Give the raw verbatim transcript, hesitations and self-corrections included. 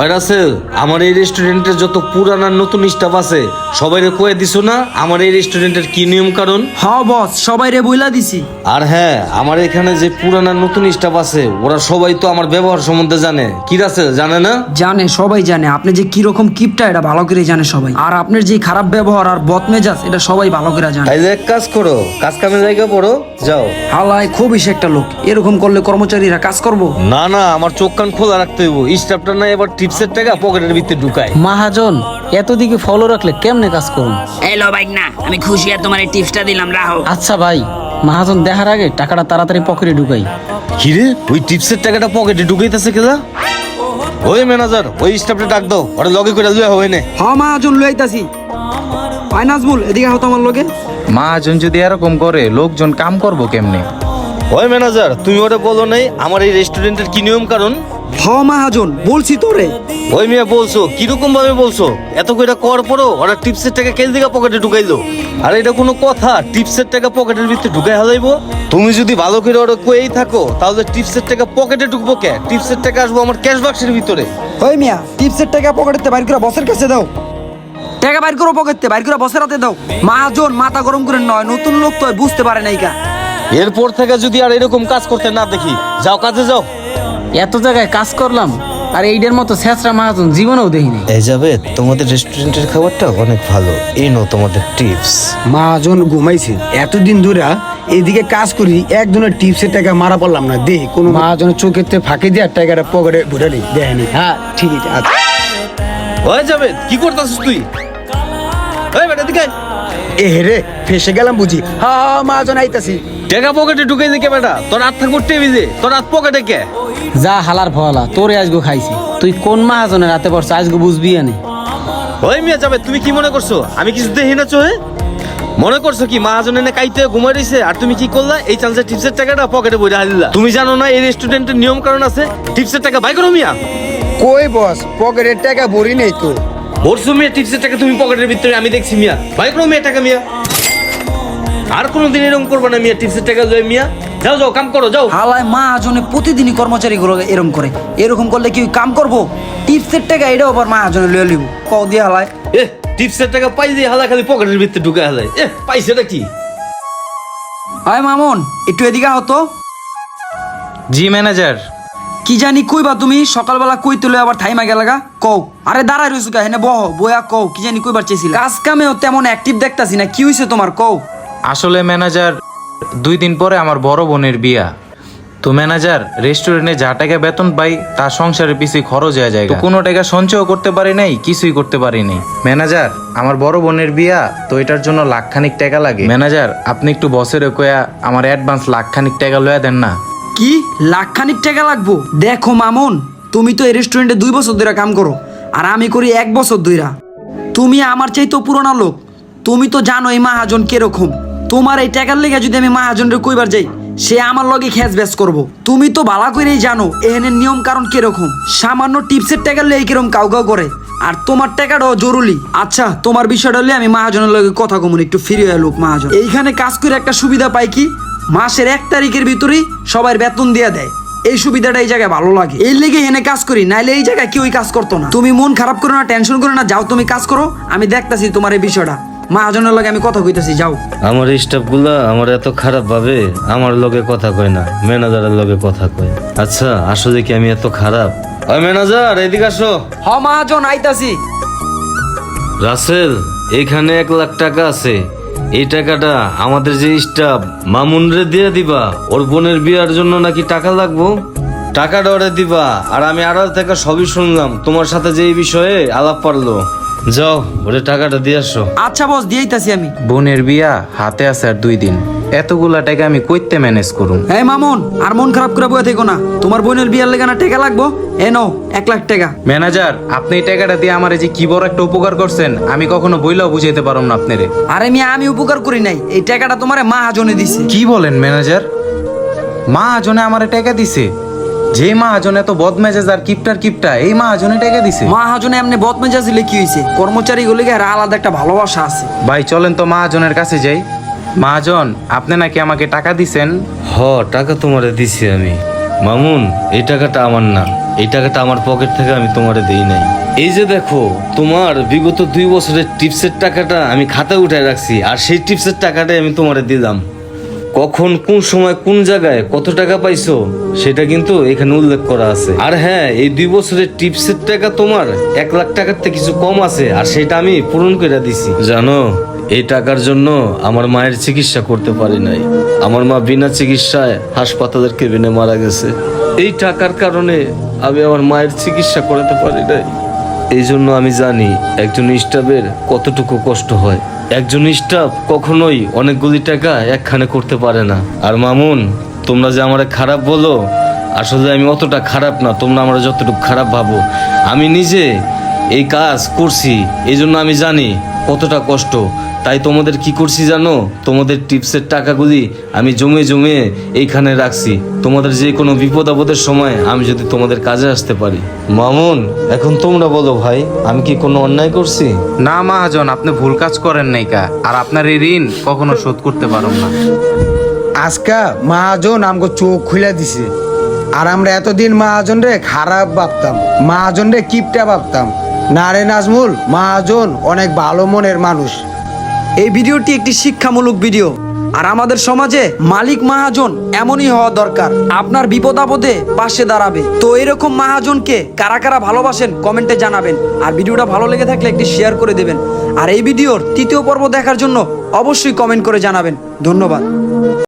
হয় রাসেল, আমার এই রেস্টুরেন্টের যত পুরান আর নতুন স্টাফ আছে সবাইরে কয়ে দিছো না আমার এই রেস্টুরেন্টের কি নিয়ম কারণ? হ্যাঁ বস, সবাইরে বইলা দিছি। আর হ্যাঁ, আমার এখানে যে পুরান আর নতুন স্টাফ আছে ওরা সবাই তো আমার ব্যবহার সম্বন্ধে জানে। কি রাসেল, জানে না? জানে, সবাই জানে আপনি যে কিরকম কিপটা এটা ভালো করে জানে সবাই। আর আপনার যে খারাপ ব্যবহার আর বদমেজাজ এটা সবাই ভালো করে জানে। তাইলে এক কাজ করো, কাজ কামে জায়গা পড়ো, যাও। হালায় খুবই সে একটা লোক, এরকম করলে কর্মচারীরা কাজ করবো? না না, আমার চোখ কান খোলা রাখতে হইব। স্টাফটা না এবার টিপসের টাকা পকেটের ভিতরে ঢুকায়। মহাজন এতদিকে ফলো রাখলে কেমনে কাজ করুন? এলো বাইক না, আমি খুশি আর তোমার এই টিপসটা দিলাম, রাহো। আচ্ছা ভাই, মহাজন দেখার আগে টাকাটা তাড়াতাড়ি পকেটে ঢুকাই। কিরে, ওই টিপসের টাকাটা পকেটে ঢুকাইতেছে কেলা? ওই ম্যানেজার, ওই স্টাফটা ডাক দাও, ওরা লগে করে লইয়া হবে না। হ্যাঁ মহাজন লইতাছি। ভাই নাজমুল, এদিকে হতো আমার লগে। মহাজন যদি এরকম করে লোকজন কাম করবো কেমনে? ওই ম্যানেজার, তুমি ওরা বলো নাই আমার এই রেস্টুরেন্টের কি নিয়ম কারণ? হ মহাজন, বলছি তোরে। ওই মেয়ে বলছো, কিরকম ভাবে বলছো? এত কইরা কর পড়ো ওরা টিপসের টাকা কেল দিকে পকেটে ঢুকাইলো। আর এটা কোনো কথা? টিপসের টাকা পকেটের ভিতরে ঢুকাই হালাইবো? তুমি যদি ভালো করে ওরা কয়েই থাকো তাহলে টিপসের টাকা পকেটে ঢুকবো কে? টিপসের টাকা আসবো আমার ক্যাশ বাক্সের ভিতরে। ওই মিয়া, টিপসের টাকা পকেটে বাইর করে বসের কাছে দাও। টাকা বাইর করো পকেটে, বাইর করে বসের হাতে দাও। মহাজন মাথা গরম করে নয়, নতুন লোক তো বুঝতে পারে নাই কা। এরপর থেকে যদি আর এরকম কাজ করতে না দেখি, যাও কাজে যাও। এত জায়গায় কাজ করলাম আর এইটার মতো ছেঁচড়া মহাজন জীবনেও দেখিনি। এই যাবে, তোমাদের রেস্টুরেন্টের খাবারটা অনেক ভালো, এই নাও তোমাদের টিপস। মহাজন ঘুমাইছে এতদিন ধরে, এদিকে কাজ করি একজনের টিপসের টাকা মারা পড়লাম না। দে কোনো মহাজনের চোখের ফাঁকি দিয়ে টাকাটা পকেটে ভরে নি, দেখেনি। হ্যাঁ ঠিক আছে। হয়ে যাবে, কি করতেছিস তুই? এই বেটা দিকে এ রে, ফেসে গেলাম বুঝি। হ্যাঁ মহাজন আইতাছি। টাকা পকেটে ঢুকাই দিকে বেটা, তোর হাত থাকবো টেবিলে, তোর হাত পকেটে কে? যা হালার ফলা, তোরে আজগো খাইছি। তুই কোন মহাজনের হাতে পড়ছো আজগো বুঝবি আনে। ওই মিয়া যাবে, তুমি কি মনে করছো আমি কিছু দেখি না চোহে? মনে করছো কি মহাজন এনে কাইতে ঘুমাই রইছে আর তুমি কি করলা? এই চান্সে টিপসের টাকাটা পকেটে বইরা হালিলা। তুমি জানো না এই রেস্টুরেন্টের নিয়ম কারণ আছে? টিপসের টাকা বাই করো মিয়া। কই বস, পকেটের টাকা ভরি নেই তো। ভরছো মিয়া টিপসের টাকা তুমি পকেটের ভিতরে, আমি দেখছি মিয়া। বাই করো মিয়া টাকা মিয়া। আর কোনোদিন এরকম করবো না মিয়া, টিপসের টাকা লয়ে মিয়া। যাও যাও কাম করো যাও। হালায় মহাজনে প্রতিদিনই কর্মচারী গুলো এরকম করে। এরকম করলে কি কাম করবো? টিপসের টাকা এটাও আবার মহাজনে লয়ে লিব। কও দিয়ে হালায়। এ টিপসের টাকা পাই দিয়ে হালা খালি পকেটের ভিতরে ঢুকে হালায়। এ পাইছেটা কি? হয় মামুন, একটু এদিকে হতো। জি ম্যানেজার। কি জানি কইবা তুমি? সকালবেলা কই তুলে আবার থাইমা গেলাগা। কও। আরে দাঁড়াই রইছো কা, হেনে বহ, বয়া কও কি জানি কইবার চাইছিল। কাজ কামেও তেমন অ্যাক্টিভ দেখতাছি না, কি হইছে তোমার? কও। আসলে ম্যানেজার, দুই দিন পরে আমার বড় বোনের বিয়া। তো ম্যানেজার, রেস্টুরেন্টে যা টাকা বেতন পাই তার সংসারের পিছিয়ে খরচ হয়ে যায়, তো কোনো টাকা সঞ্চয় করতে পারি নাই, কিছুই করতে পারি নাই। ম্যানেজার, আমার বড় বোনের বিয়া, তো এটার জন্য লাখখানিক টাকা লাগে। ম্যানেজার, আপনি একটু বসের কয়া আমার অ্যাডভান্স লাখখানিক টাকা লয়া দেন না। কি লাখখানিক টাকা লাগবো? দেখো মামুন, তুমি তো এই রেস্টুরেন্টে দুই বছর ধরে কাম করো আর আমি করি এক বছর ধইরা। তুমি আমার চাইতো পুরোনো লোক, তুমি তো জানো এই মহাজন কিরকম। তোমার এই টাকার লেগে যদি আমি মহাজনরে কইবার যাই, সে আমার লগে খেস ব্যাস করবো। তুমি তো ভালো করেই জানো এখানের নিয়ম কারণ কিরকম। সামান্য টিপসের টাকার লেগে কিরকম কাউ কাউ করে, আর তোমার টাকাটাও জরুরি। আচ্ছা, তোমার বিষয়টা হলে আমি মহাজনের লগে কথা কমুন, একটু ফিরে লোক মহাজন। এইখানে কাজ করে একটা সুবিধা পাই কি, মাসের এক তারিখের ভিতরেই সবার বেতন দিয়ে দেয়। এই সুবিধাটা এই জায়গায় ভালো লাগে, এই লেগে এনে কাজ করি, নাইলে এই জায়গায় কেউই কাজ করতো না। তুমি মন খারাপ করো না, টেনশন করো না, যাও তুমি কাজ করো, আমি দেখতাছি তোমার এই বিষয়টা। মহাজনের লগে আমি কথা কইতাছি, যাও। আমার স্টাফ গুলা আমার এত খারাপ ভাবে আমার লগে কথা কয় না, ম্যানেজারের লগে কথা কয়। আচ্ছা, আসলে কি আমি এত খারাপ? ওই ম্যানেজার এদিকে আসো। হ মহাজন আইতাছি। রাসেল, এখানে এক লাখ টাকা আছে। এই টাকাটা আমাদের যে স্টাফ মামুনরে দিয়ে দিবা, ওর বোনের বিয়ার জন্য নাকি টাকা লাগবো। টাকাটা ওরে দিবা, আর আমি আড়াল থেকে সবই শুনলাম তোমার সাথে যে এই বিষয়ে আলাপ পারলো। যাও ওরে টাকাটা দিয়ে আসো। আচ্ছা বস, দিয়েইতাছি আমি। বোনের বিয়া হাতে আছে আর দুই দিন, এতগুলা টাকা আমি কইতে ম্যানেজ করুম? হ্যাঁ মামুন, আর মন খারাপ করে বয়ে থেকো না। তোমার বোনের বিয়ার লেগে না টাকা লাগবো, এ নাও এক লাখ টাকা। ম্যানেজার, আপনি এই টাকাটা দিয়ে আমার যে কি বড় একটা উপকার করছেন, আমি কখনো বইলাও বুঝাইতে পারম না আপনারে। আরে মিয়া, আমি উপকার করি নাই, এই টাকাটা তোমারে মহাজনে দিছে। কি বলেন ম্যানেজার? মহাজনে আমারে টাকা দিছে? যে মহাজন এত বদমেজাজ আর কিপটার কিপটা, এই মহাজনে টাকা দিছে? মহাজনে এমনি বদমেজাজ হলে কি হয়েছে? কর্মচারী গুলিকে আর আলাদা একটা ভালোবাসা আছে। ভাই চলেন তো মহাজনের কাছে যাই। মহাজন, আপনি নাকি আমাকে টাকা দিছেন? হ, টাকা তোমারে দিছি আমি। মামুন, এই টাকাটা আমার না, এই টাকাটা আমার পকেট থেকে আমি তোমারে দেই নাই। এই যে দেখো, তোমার বিগত দুই বছরের টিপসের টাকাটা আমি খাতায় উঠায় রাখছি, আর সেই টিপসের টাকাটাই আমি তোমারে দিলাম। কখন কোন সময় কোন জায়গায় কত টাকা পাইছো সেটা কিন্তু এখানে উল্লেখ করা আছে। আর হ্যাঁ, এই দুই বছরের টিপসের টাকা তোমার এক লাখ টাকার থেকে কিছু কম আছে, আর সেটা আমি পূরণ করে দিছি। জানো, এই টাকার জন্য আমার মায়ের চিকিৎসা করতে পারি নাই। আমার মা বিনা চিকিৎসায় হাসপাতালের কেবিনে মারা গেছে। এই টাকার কারণে আমি আমার মায়ের চিকিৎসা করাতে পারি নাই। এই জন্য আমি জানি একজন স্টাফের কতটুকু কষ্ট হয়। একজন স্টাফ কখনোই অনেকগুলি টাকা একখানে করতে পারে না। আর মামুন, তোমরা যে আমার খারাপ বলো, আসলে আমি অতটা খারাপ না, তোমরা আমার যতটুকু খারাপ ভাবো। আমি নিজে এই কাজ করছি, এই জন্য আমি জানি কতটা কষ্ট। তাই তোমাদের কি করছি জানো, তোমাদের টিপসের টাকাগুলি আমি জমে জমে এইখানে রাখছি। তোমাদের যে কোনো বিপদ আপদের সময় আমি যদি তোমাদের কাজে আসতে পারি। মামুন, এখন তোমরা বলো ভাই, আমি কি কোনো অন্যায় করছি? না মহাজন, আপনি ভুল কাজ করেন নাই কা, আর আপনার এই ঋণ কখনো শোধ করতে পারো না। আজকা মহাজন আমাকে চোখ খুলে দিছে। আর আমরা এতদিন মহাজন রে খারাপ ভাবতাম, মহাজন রে কিপটা ভাবতাম। না রে নাজমুল, মহাজন অনেক ভালো মনের মানুষ। এই ভিডিওটি একটি শিক্ষামূলক ভিডিও। আর আমাদের সমাজে মালিক মহাজন এমনই হওয়া দরকার, আপনার বিপদ আপদে পাশে দাঁড়াবে। তো এরকম মহাজনকে কারা কারা ভালোবাসেন কমেন্টে জানাবেন। আর ভিডিওটা ভালো লেগে থাকলে একটি শেয়ার করে দেবেন। আর এই ভিডিওর তৃতীয় পর্ব দেখার জন্য অবশ্যই কমেন্ট করে জানাবেন। ধন্যবাদ।